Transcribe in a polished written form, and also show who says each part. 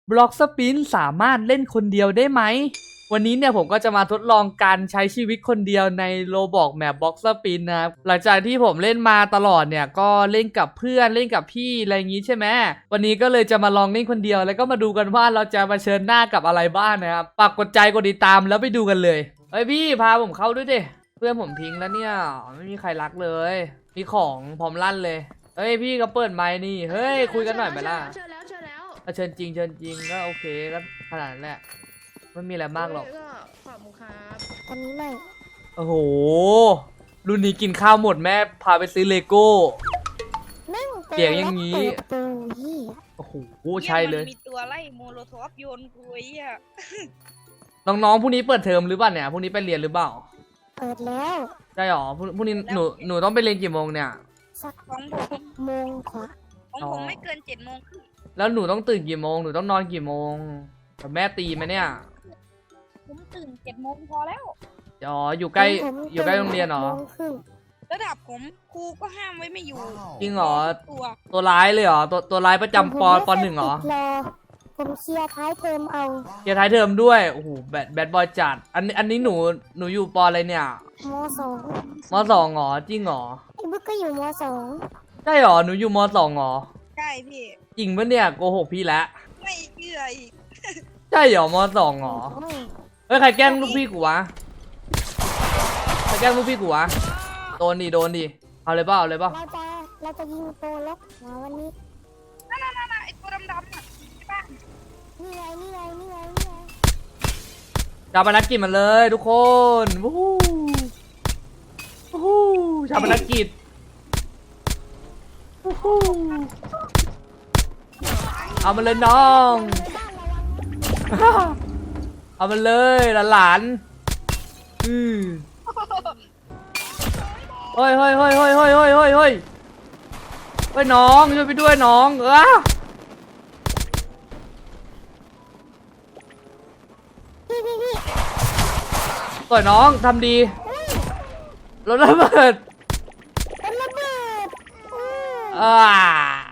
Speaker 1: บล็อกสปินสามารถเล่นคนเดียวได้ไหมวันนี้เนี่ยผมก็จะมาทดลองการใช้ชีวิตคนเดียวในโรบอกแมปบล็อกสปินนะครับหลังจากที่ผมเล่นมาตลอดเนี่ยก็เล่นกับเพื่อนเล่นกับพี่อะไรอย่างงี้ใช่ไหมวันนี้ก็เลยจะมาลองเล่นคนเดียวแล้วก็มาดูกันว่าเราจะมาเผชิญหน้ากับอะไรบ้างนะครับฝากกดใจกดติดตามแล้วไปดูกันเลยเฮ้ยพี่พาผมเข้าด้วยดิเพื่อนผมทิ้งแล้วเนี่ยไม่มีใครรักเลยมีของพร้อมลั่นเลยเฮ้ยพี่ก็เปิดไมค์นี่เฮ้ยคุยกันหน่อยไหมล่ะ
Speaker 2: เชิญแล้ว
Speaker 1: เชิญจริงก็โอเคก็ขนาดนั้นแหละไม่มีอะไรมากหรอก
Speaker 2: ก็ขอบคุณครับ
Speaker 3: ตอนนี้ไม่
Speaker 1: โอ้โหรุ่นนี้กินข้าวหมดแม่พาไปซื้อเลโก้
Speaker 3: นั่ง
Speaker 1: เสียงอย่างนี้
Speaker 3: นี้เปิดประตูยี่
Speaker 1: โอ้โหใช่เลย
Speaker 4: มันมีตัวไล่โมโลทอฟโยนกูไอ้อะ
Speaker 1: น้องๆพรุ่งนี้เปิดเทอมหรือเปล่าเนี่ยพรุ่งนี้ไปเรียนหรือเปล่า
Speaker 3: เปิดแล้ว
Speaker 1: ใช่หรอพรุ่งนี้หนูต้องไปเรียนกี่โมงเนี่ย
Speaker 3: สัก
Speaker 4: ของผม
Speaker 3: โมงกว่า
Speaker 4: ของผมไม่เกิน7 โมงครึ่ง
Speaker 1: แล้วหนูต้องตื่นกี่โมงหนูต้องนอนกี่โมงแต่แม่ตีไหมเนี่ย
Speaker 4: ผมตื่น7 โมงพอแล้ว
Speaker 1: อ๋ออยู่ใกล้
Speaker 3: ผม
Speaker 1: อยู่ใกล้โรงเรียนเหรอ
Speaker 3: โมงครึ่ง
Speaker 4: ระดับผมครูก็ห้ามไว้ไม่อยู่
Speaker 1: จริงเหรอ
Speaker 4: ตัว
Speaker 1: ตัวร้ายเลยเหรอตัวร้ายประจำป
Speaker 3: ผมไม่
Speaker 1: ปหนึ่งเหรอ
Speaker 3: ติดผมเคลียร์ท้ายเทอมเอา
Speaker 1: เกียร์ท้ายเทอมด้วยโอ้โหแบดบอยจัดอันนี้หนูอยู่ปอะไรเนี่ย
Speaker 3: มสอง
Speaker 1: มสองเหรอจริงเหรอ
Speaker 3: ไอ้บึกก็อยู่มสอง
Speaker 1: ใช่เหรอหนูอยู่มสองเหรอ
Speaker 4: ใช่พี่
Speaker 1: จริงปะเนี่ยโกหกพี่แล้ว
Speaker 4: ไม่เชื่ออีก
Speaker 1: ใช่เหรอมสองเหรอ
Speaker 3: โอ้ย
Speaker 1: เฮ้ยใครแกล้งลูกพี่กูวะใครแกล้งลูกพี่กูวะโดนดิเอาเลยเปล่า
Speaker 3: เราจะยิงโปรล็อกหัววันนี้
Speaker 4: นั่นไอ้ตัวดำๆน่ะใช่ปะ
Speaker 3: นี่ไง
Speaker 1: ชาปนกิจมันเลยทุกคนวู้ฮู้วู้ฮู้ชาปนกิจวู้ฮู้เอามันเลยน้อง เอามันเลยหลานเฮ้ยน้องช่วยไปด้วยน้อง
Speaker 3: พี่
Speaker 1: ต่อยน้องทำดีรถระเบิด
Speaker 3: เป็นระเบิด
Speaker 1: อ่า